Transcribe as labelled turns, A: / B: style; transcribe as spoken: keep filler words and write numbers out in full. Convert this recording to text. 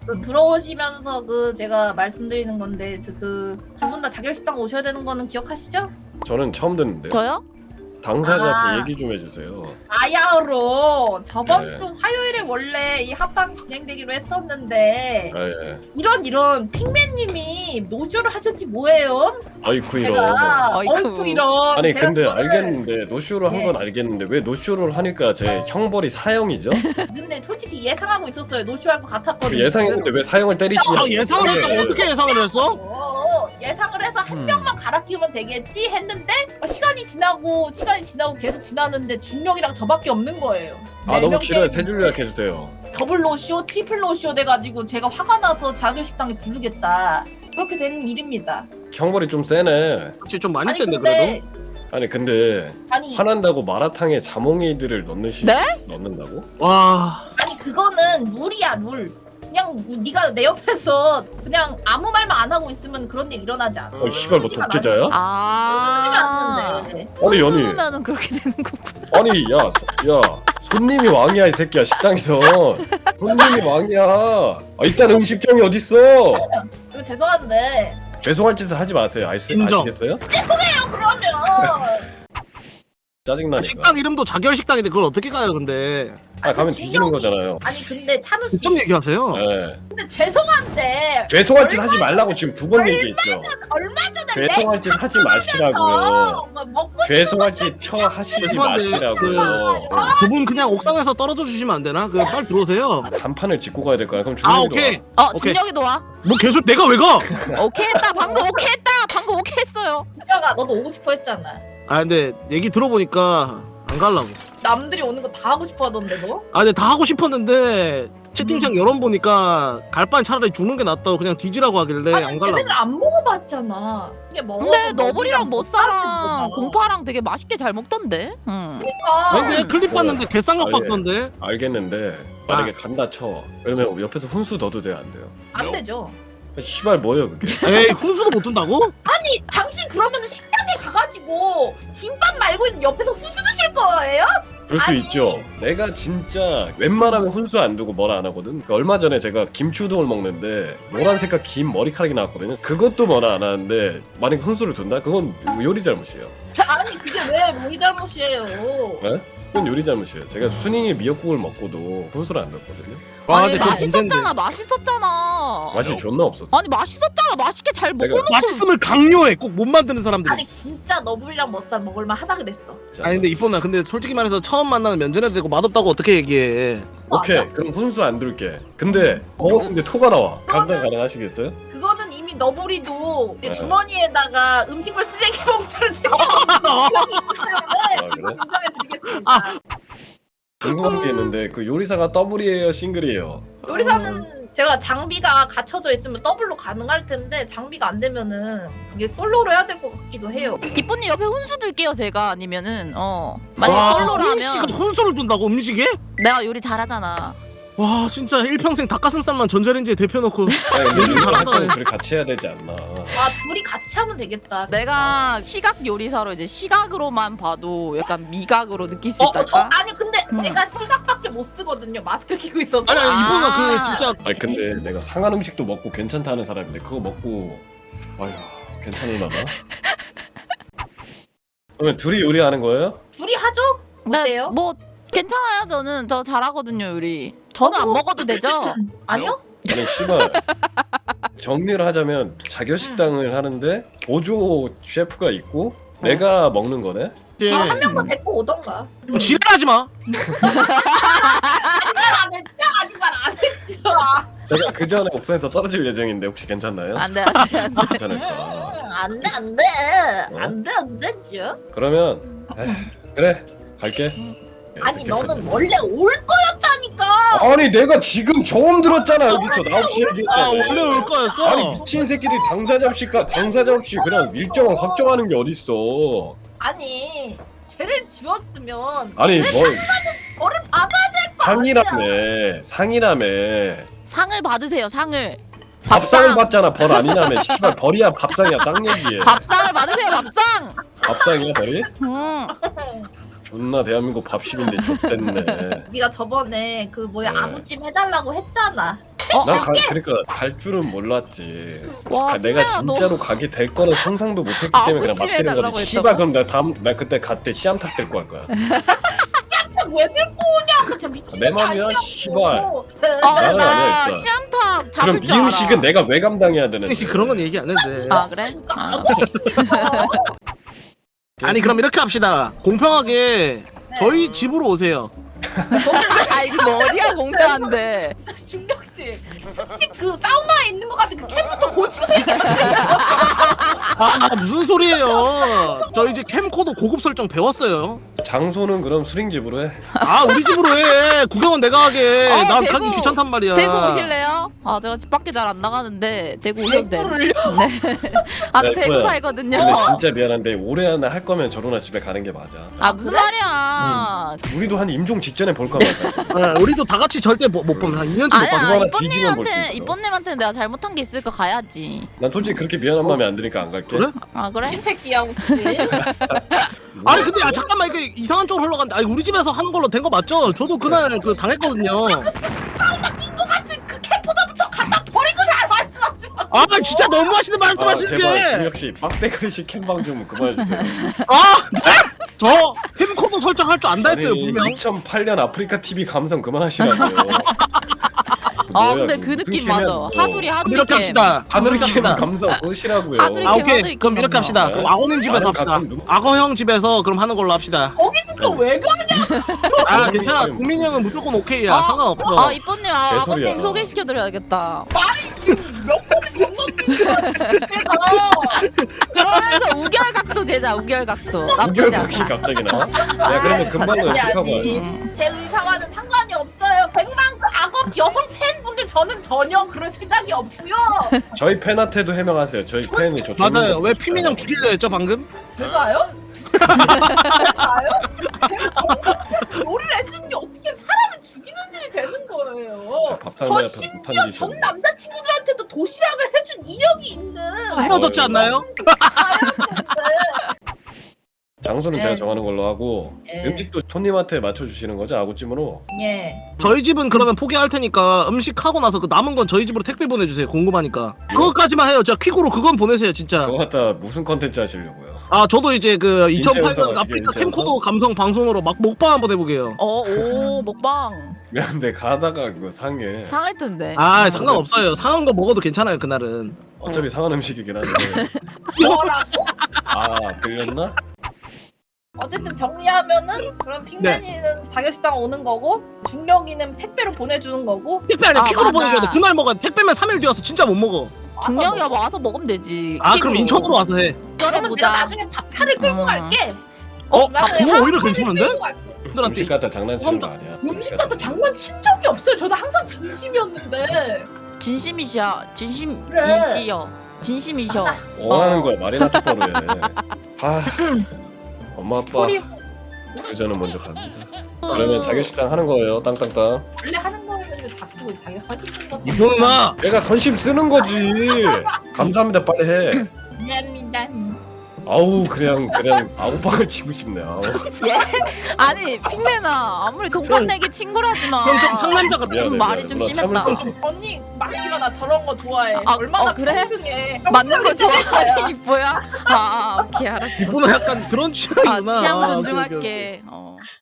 A: 그 들어오시면서 그 제가 말씀드리는 건데 그 두 분 다 자결식당 오셔야 되는 거는 기억하시죠?
B: 저는 처음 듣는데요.
C: 저요?
B: 당사자한테
A: 아.
B: 얘기 좀 해주세요.
A: 아야로 저번
B: 네.
A: 주 화요일에 원래 이 합방 진행되기로 했었는데
B: 아, 예.
A: 이런 이런 핑맨님이 노쇼를 하셨지 뭐예요?
B: 아이쿠 이런.
A: 제가
C: 아이쿠.
A: 어이쿠 이런
B: 아니
A: 제가
B: 근데
A: 그거를
B: 알겠는데 노쇼를 한
A: 네.
B: 건 알겠는데 왜 노쇼를 하니까 제 형벌이 사형이죠?
A: 근데 솔직히 예상하고 있었어요. 노쇼할 것 같았거든요.
B: 예상했는데 왜 사형을 때리시냐고.
D: 아 예상을 했다고
B: 네.
D: 어떻게 예상을 했어?
A: 어, 예상을 해서 한
D: 음.
A: 명만 갈아 끼우면 되겠지 했는데 어, 시간이 지나고 시간이 지나고 계속 지나는데 중령이랑 저밖에 없는 거예요.
B: 아
A: 네
B: 너무
A: 명
B: 길어요.
A: 게임.
B: 세 줄 요약해주세요.
A: 더블 노쇼, 트리플 노쇼 돼가지고 제가 화가 나서 자결식당에 부르겠다. 그렇게 된 일입니다.
B: 형벌이 좀 세네.
D: 그렇지 좀 많이
A: 아니
D: 센데
A: 근데
D: 그래도.
B: 아니 근데
A: 아니
B: 화난다고 마라탕에 자몽이들을 넣는 시
C: 네?
B: 넣는다고?
D: 와.
A: 아니 그거는 룰이야 룰. 그냥 네가 내 옆에서 그냥 아무 말만 안 하고 있으면 그런 일 일어나지 않아.
B: 어 씨발 뭐
A: 쓰지만
B: 독재자야?
A: 쓰지면
C: 아.
A: 않는데.
B: 아니 연희.
C: 쓰면은 그렇게 되는 거구나.
B: 아니 야, 소, 야 손님이 왕이야 이 새끼야 식당에서. 손님이 왕이야. 아 일단 음식점이 어딨어?
A: 이거 죄송한데
B: 죄송할 짓을 하지 마세요. 아시,
D: 인정.
B: 아시겠어요?
A: 죄송해요 그러면.
B: 짜증나니까.
D: 식당 이름도 자결 식당인데 그걸 어떻게 가요 근데?
B: 아 가면
A: 진정이-
B: 뒤지는 거잖아요.
A: 아니 근데 찬우 씨
D: 직접 얘기하세요.
B: 네.
A: 근데 죄송한데
B: 죄송할 짓 하지 말라고 지금 두 번 얘기했죠.
A: 얼마 전에
B: 죄송할 짓 하지 마시라고요.
A: 레시피 먹고 싶은
B: 죄송할 짓 처 하시지
D: 죄송한데,
B: 마시라고요.
D: 두 분 그냥 옥상에서 떨어져 주시면 안 되나? 그 빨리 들어오세요.
B: 간판을 짚고 가야 될 거야. 그럼
D: 아
B: 준영이도
D: 오케이.
C: 어
D: 오케이.
C: 준혁이도 와.
D: 뭐 계속 내가 왜 가?
C: 오케이 했다. 방금 오케이 했다. 방금 오케이 했어요.
A: 준혁아 너도 오고 싶어 했잖아.
D: 아 근데 얘기 들어보니까 안 갈라고.
A: 남들이 오는 거 다 하고 싶어 하던데 너?
D: 아 근데 다 하고 싶었는데 채팅창 여론 보니까 갈 바엔 차라리 죽는 게 낫다고 그냥 뒤지라고 하길래
A: 아니
D: 안 갈라고.
A: 쟤네들 안 먹어봤잖아. 이게 먹어.
C: 근데 너블이랑 머싸랑 공파랑 되게 맛있게 잘 먹던데. 응.
D: 아니 근데 클립
B: 뭐,
D: 봤는데 개쌍각
B: 아, 예.
D: 봤던데.
B: 알겠는데 만약에 간다 쳐. 그러면 옆에서 훈수 넣어도 돼요 안 돼요?
A: 안 되죠.
B: 시발 뭐예요 그게?
D: 에이 훈수도 못 둔다고?
A: 아니 당신 그러면 식당에 가가지고 김밥 말고 옆에서 후수 드실 거예요?
B: 그럴 수
A: 아니.
B: 있죠. 내가 진짜 웬만하면 훈수 안 두고 뭐라 안 하거든. 그러니까 얼마 전에 제가 김치우동을 먹는데 노란 색깔 긴 머리카락이 나왔거든요. 그것도 뭐라 안 하는데 만약에 훈수를 둔다? 그건 요리 잘못이에요.
A: 아니 그게 왜 우리 잘못이에요?
B: 네? 그건 요리 잘못이에요. 제가 순잉이 미역국을 먹고도 훈수를 안 넣었거든요.
D: 와
C: 아니
D: 근데 그거 문제인데.
C: 맛있었잖아. 맛있었잖아.
B: 맛이 존나 없었어.
C: 아니 맛있었잖아. 맛있게 잘
B: 내가-
C: 먹어놓고.
D: 맛있음을 강요해. 꼭 못 만드는 사람들이.
A: 아니 진짜 너블이랑 머싸 먹을만 하다 그랬어.
D: 아니 근데 이쁜아 근데 솔직히 말해서 처음 만나는 면전에도 되고 맛없다고 어떻게 얘기해?
B: 오케이
A: 맞아.
B: 그럼 훈수 안 둘게. 근데 먹었는데 토가 나와. 감당 가능하시겠어요?
A: 그거는 이미 너블이도 이제
B: 네.
A: 주머니에다가 음식물 쓰레기 봉투를 챙겨
B: 아,
A: 때문에
B: 그래?
A: 인정해드리겠습니다.
D: 아.
B: 궁금한 게 있는데 그 요리사가 더블이에요 싱글이에요?
A: 요리사는 제가 장비가 갖춰져 있으면 더블로 가능할 텐데 장비가 안 되면은 이게 솔로로 해야 될 것 같기도 해요.
C: 이쁜님 옆에 훈수 둘게요 제가. 아니면은 어 만약에
D: 와,
C: 솔로라면
D: 훈씨가 훈수를 둔다고 음식에?
C: 내가 요리 잘하잖아.
D: 와 진짜 일평생 닭가슴살만 전자레인지에 데펴놓고
B: 아니, 근데
D: 요리
B: 요리
D: 잘하다.
B: 활동을 둘이 같이 해야 되지 않나?
A: 아 둘이 같이 하면 되겠다.
C: 내가 시각 요리사로 이제 시각으로만 봐도 약간 미각으로 느낄 수
A: 어,
C: 있달까?
A: 저 아니 근데
C: 음.
A: 내가 시각밖에 못 쓰거든요. 마스크 끼고 있어서.
D: 아니 아니
C: 아.
D: 이쁜아 그 진짜
B: 아니 근데 내가 상한 음식도 먹고 괜찮다 하는 사람인데 그거 먹고 아휴 괜찮으려나? 그러면 둘이 요리하는 거예요?
A: 둘이 하죠?
C: 네,
A: 어때요?
C: 뭐 괜찮아요. 저는 저 잘하거든요 요리. 저는 안
A: 저도-
C: 먹어도 되죠?
A: 아니요?
B: 아니 씨발 정리를 하자면 자결식당을 하는데 보조 셰프가 있고 내가 먹는 거네?
D: 예.
A: 저 한 명 더 데리고 오던가.
D: 지랄하지 마.
A: 안 했죠? 아직 말 안 했죠?
B: 제가 그 전에 옥상에서 떨어질 예정인데 혹시 괜찮나요?
C: 안돼 안돼 안돼.
B: 괜찮을까?
A: 안돼 안돼 안돼 안 되죠?
B: 그러면 에이, 그래 갈게.
A: 아니 너는 원래 올 거였다니까.
B: 아니 내가 지금 처음 들었잖아 여기서 나 없이
D: 아
B: 얘기했잖아.
D: 원래 올 거였어.
B: 아니 미친 새끼들이 당사자 없이까 당사자 없이 그냥 일정을 확정하는 게 어딨어.
A: 아니 죄를 지었으면
B: 아니 뭐
A: 벌을 받아야 될 거 아니야.
B: 상이라며 상이라며
C: 상을 받으세요 상을.
B: 밥상을 받잖아 벌 아니냐며 씨발 벌이야 밥상이야 딱 얘기해.
C: 밥상을 받으세요 밥상.
B: 밥상이야 벌이?
C: 음.
B: 존나 대한민국 밥심인데 좆됐네.
A: 네가 저번에 그 뭐야
B: 네.
A: 아구찜 해달라고 했잖아.
B: 나 가, 그러니까 갈 줄은 몰랐지.
C: 와,
B: 가- 내가
C: 핑맨아, 너-
B: 진짜로 가게 될 거는 상상도 못했기
C: 아,
B: 때문에 그냥
C: 아구찜
B: 막 때린
C: 해달라고
B: 거지.
C: 했다고?
B: 씨발 그럼 나 다음 나 그때 갔대 씨암탉 데리고 갈 거야.
A: 왜 들고 오냐고 진짜 미친
B: 내 맘이야, 씨발.
C: 아
B: 나는
C: 나
B: 아니야, 일단.
C: 씨암탉 잡을
B: 그럼
C: 줄
B: 이
C: 알아.
B: 음식은 내가 왜 감당해야 되는데?
D: 혹시 그런 건 얘기 안 해도 돼.
C: 아 그래? 아,
D: 아니 그럼 이렇게 합시다. 공평하게
A: 네.
D: 저희 집으로 오세요.
C: 아 이거 머리야 공짜한데.
A: 중력 씨 습식 그 사우나에 있는 것 같은 그 캠부터 고치고 생겼어요.
D: 아 무슨 소리예요? 저 이제 캠코더 고급 설정 배웠어요.
B: 장소는 그럼 수링집으로 해.
D: 아 우리 집으로 해. 구경은 내가 하게.
C: 어,
D: 난
C: 대구.
D: 가기 귀찮단 말이야.
C: 대구 오실래요? 아 제가 집 밖에 잘 안 나가는데 대구 오셔도 돼.
A: 대구를요?
C: 네. 아저
B: 네,
C: 대구
B: 그거야.
C: 살거든요.
B: 근데 진짜 미안한데 올해 안에 할 거면 저로나 집에 가는 게 맞아.
C: 아 무슨
A: 그래?
C: 말이야?
B: 우리도 한 임종 직전에 볼까 말까.
D: 네, 우리도 다 같이 절대 못, 못 보면 한 이 년째 못
C: 아니야
D: 봤어.
B: 하나 뒤지면 볼수
C: 이쁜님한테
B: 있어.
C: 이쁜님한테 내가 잘못한 게 있을까 가야지.
B: 난 솔직히 그렇게 미안한 마음이 안 드니까 안 갈게.
D: 그래?
C: 아 그래?
A: 친새끼야 혹시?
D: 아니 근데 야 잠깐만 이게 이상한 쪽으로 흘러간다. 아니 우리 집에서 하는 걸로 된 거 맞죠? 저도 그날 그 당했거든요.
A: 사우나 낀 것 같은 그 캠보다부터 갖다 버린 거잘 말씀하지 마.
D: 아 진짜 너무하시는
B: 아
D: 말씀하시는
B: 제발
D: 게.
B: 그 역시 빡대가리식 캠방 좀 그만해주세요.
D: 아 네? 저 캠코더 설정할 줄 안다 했어요 분명.
B: 이천팔 년 아프리카 티비 감성 그만하시라고요.
C: 아
B: 뭐야,
C: 근데
B: 그거
C: 그
B: 무슨
C: 느낌
B: 캠이야,
C: 맞아.
B: 그거.
C: 하두리 하두리
D: 이렇게
C: 캠.
D: 합시다.
B: 하늘이
D: 이렇게
B: 캠
D: 합시다.
B: 감성 끄시라고요.
C: 하늘이
D: 아
C: 캠
D: 오케이
C: 하늘이
D: 그럼
C: 캠
D: 이렇게 합시다.
B: 네.
D: 그럼 악어님 집에서
B: 나는
D: 합시다.
B: 가끔 누-
D: 악어 형 집에서 그럼 하는 걸로 합시다.
A: 거기는 또 왜 가냐?
D: 아 괜찮아. 국민 형은 무조건 오케이야.
C: 아,
D: 상관없어.
C: 아 이쁜님 아,
B: 개소리야.
C: 아버님 소개시켜드려야겠다.
A: 몇 번을 건너뛴 거야.
C: 그러면서 우결각도 제자 우결각도 나쁘지
B: 우결각이
C: 않아.
B: 갑자기 나와? 야 그러면 금방
A: 아니,
B: 연습하고
A: 아니.
B: 와요.
A: 제 의사와는 상관이 없어요. 백만 그 악어 여성 팬분들 저는 전혀 그럴 생각이 없고요.
B: 저희 팬한테도 해명하세요. 저희 팬이 저
D: 맞아요. 왜 피민 형 죽이려 했죠 방금?
A: 제가요? 제가요? 제가 정성스럽게 요리를 해주는 게 어떻게 사람을 죽이는 일이 되는 거예요.
B: 밥상
A: 저
B: 내 앞에
A: 심지어
B: 못한
A: 전
B: 짓이야.
A: 남자친구들한테도 도시락을 해준 이력이 있는
D: 헤어졌지 않나요?
B: 장소는
A: 네.
B: 제가 정하는 걸로 하고
A: 네.
B: 음식도 손님한테 맞춰주시는 거죠? 아구찜으로?
A: 예.
D: 저희 집은 그러면 포기할 테니까 음식 하고 나서 그 남은 건 저희 집으로 택배 보내주세요. 궁금하니까. 그것까지만 해요. 진짜 퀵으로 그건 보내세요 진짜.
B: 그거 갖다 무슨 컨텐츠 하시려고요?
D: 아 저도 이제 그
B: 인체
D: 이천팔 년
B: 연습
D: 아프리카
B: 하시게, 인체
D: 캠코더 감성 방송으로 막 먹방 한번 해보게요.
C: 어오 먹방
B: 미안한데 가다가 그거 상해.
C: 상할 텐데.
D: 아 상관없어요. 상한 거 먹어도 괜찮아요 그날은.
B: 어차피 상한 음식이긴 한데.
A: 뭐라고?
B: 아 들렸나?
A: 어쨌든 정리하면은 그럼 핑맨이는 자격식당 오는 거고 중력이는 택배로 보내주는 거고
D: 택배 아니야
C: 아,
D: 퀵으로
C: 맞아.
D: 보내줘야 돼. 그날 먹어야 돼. 택배면 삼 일 뒤여서 진짜 못 먹어.
C: 중력이가 와서 먹으면 되지.
D: 아 그럼
C: 킥으로.
D: 인천으로 와서 해.
A: 그러면
C: 보자.
A: 내가 나중에 밥차를 끌고
C: 음.
A: 갈게.
D: 어?
A: 나는
D: 아, 그거
A: 밥차를
D: 오히려 괜찮은데?
A: 끌고 갈게.
D: 형들한테
B: 음식 갖다 장난치는 거 아니야?
A: 음식 갖다 장난친 적이 없어요. 저는 항상 진심이었는데.
C: 진심이시야. 진심
A: 그래.
C: 이시여. 진심이셔.
B: 뭐 하는 거야? 말이나 똑바로 해. 아 엄마 아빠
A: 소리
B: 그저는 먼저 갑니다. 그러면 자격식당 하는 거예요. 땅땅땅.
A: 원래 하는 거였는데 자꾸 자기 사진 찍는 거.
D: 이거 누나
B: 내가 선심 쓰는 거지. 감사합니다. 빨리 해.
A: 감사합니다.
B: 아우 그냥 그냥 아우방을 치고 싶네. 아우.
C: 아니 핑맨아 아무리 동갑 내기 친구라지만.
D: 형 좀 상남자 같아.
B: 미안해,
C: 말이
B: 미안해.
C: 좀
B: 누나
C: 심했다.
B: 참을 수 없어.
A: 언니 막지마 나 저런 거 좋아해.
C: 아,
A: 얼마나
C: 어, 그래?
A: 평등해.
C: 맞는 거
A: 평등하게
C: 좋아하니 이뻐야? 아, 아 오케이 알았어.
D: 이분은 약간 그런
C: 아
D: 취향이구나.
C: 취향
D: 아, 오케이, 오케이, 오케이.
C: 존중할게. 어.